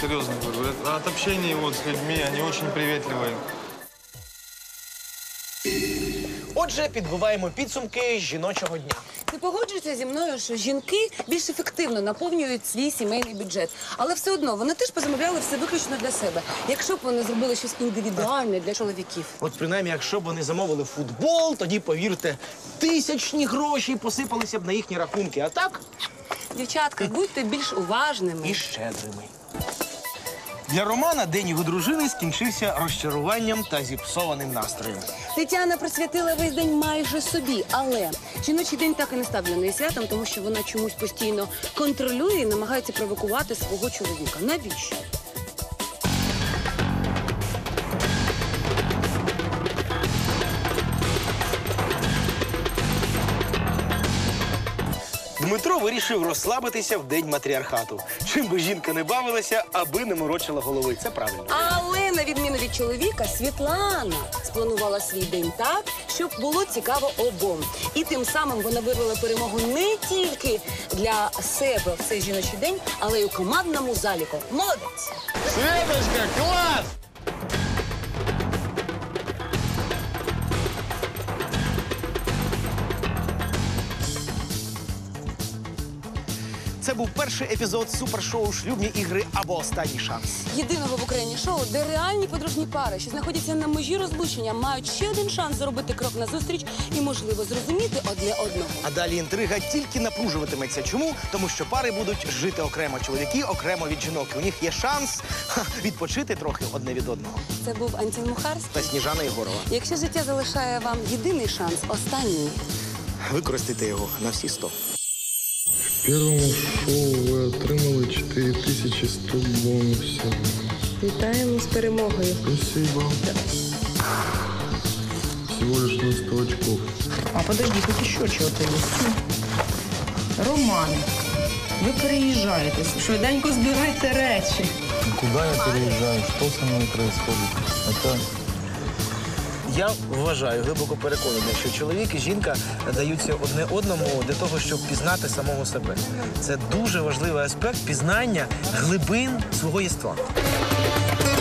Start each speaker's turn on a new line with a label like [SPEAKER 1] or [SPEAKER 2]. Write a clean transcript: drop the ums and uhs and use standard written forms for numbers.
[SPEAKER 1] серьезно говорю. От общения вот с людьми, они очень приветливые.
[SPEAKER 2] Отже, підбиваємо підсумки жіночого дня.
[SPEAKER 3] Ти погоджуєшся зі мною, що жінки більш ефективно наповнюють свій сімейний бюджет. Але все одно, вони теж позамовляли все виключно для себе. Якщо б вони зробили щось індивідуальне для чоловіків.
[SPEAKER 2] От принаймні, якщо б вони замовили футбол, тоді, повірте, тисячні гроші посипалися б на їхні рахунки. А так?
[SPEAKER 3] Дівчатка, будьте більш уважними.
[SPEAKER 2] І щедрими. Для Романа день його дружини скінчився розчаруванням та зіпсованим настроєм.
[SPEAKER 3] Тетяна присвятила весь день майже собі, але жіночий день так і не став для неї святом, тому що вона чомусь постійно контролює і намагається провокувати свого чоловіка. Навіщо?
[SPEAKER 2] Дмитро вирішив розслабитися в день матріархату. Чим би жінка не бавилася, аби не морочила голови. Це правильно.
[SPEAKER 3] Але, на відміну від чоловіка, Світлана спланувала свій день так, щоб було цікаво обом. І тим самим вона вирвала перемогу не тільки для себе в цей жіночий день, але й у командному заліку. Молодець!
[SPEAKER 1] Светочка, класс!
[SPEAKER 2] Це був перший епізод супершоу «Шлюбні ігри» або «Останній шанс».
[SPEAKER 3] Єдиного в Україні шоу, де реальні подружні пари, що знаходяться на межі розлучення, мають ще один шанс зробити крок назустріч і, можливо, зрозуміти одне одного.
[SPEAKER 2] А далі інтрига тільки напружуватиметься. Чому? Тому що пари будуть жити окремо. Чоловіки окремо від жінок. У них є шанс відпочити трохи одне від одного.
[SPEAKER 3] Це був Антін Мухарський.
[SPEAKER 2] Та Сніжана Єгорова.
[SPEAKER 3] Якщо життя залишає вам єдиний шанс, останній.
[SPEAKER 2] Використайте його на всі 100.
[SPEAKER 4] В первому шоу ви отримали 4100 бонусів.
[SPEAKER 3] Вітаємо з перемогою.
[SPEAKER 4] Спасибо. Всего лишь на 100 очков.
[SPEAKER 5] А подожди, тут еще чего-то есть. Роман, ви переїжджаєте, швиденько збирайте речі.
[SPEAKER 1] Куда я переезжаю? Что со мной происходит? Это...
[SPEAKER 2] Я вважаю, глибоко переконаний, що чоловік і жінка даються одне одному для того, щоб пізнати самого себе. Це дуже важливий аспект пізнання глибин свого єства.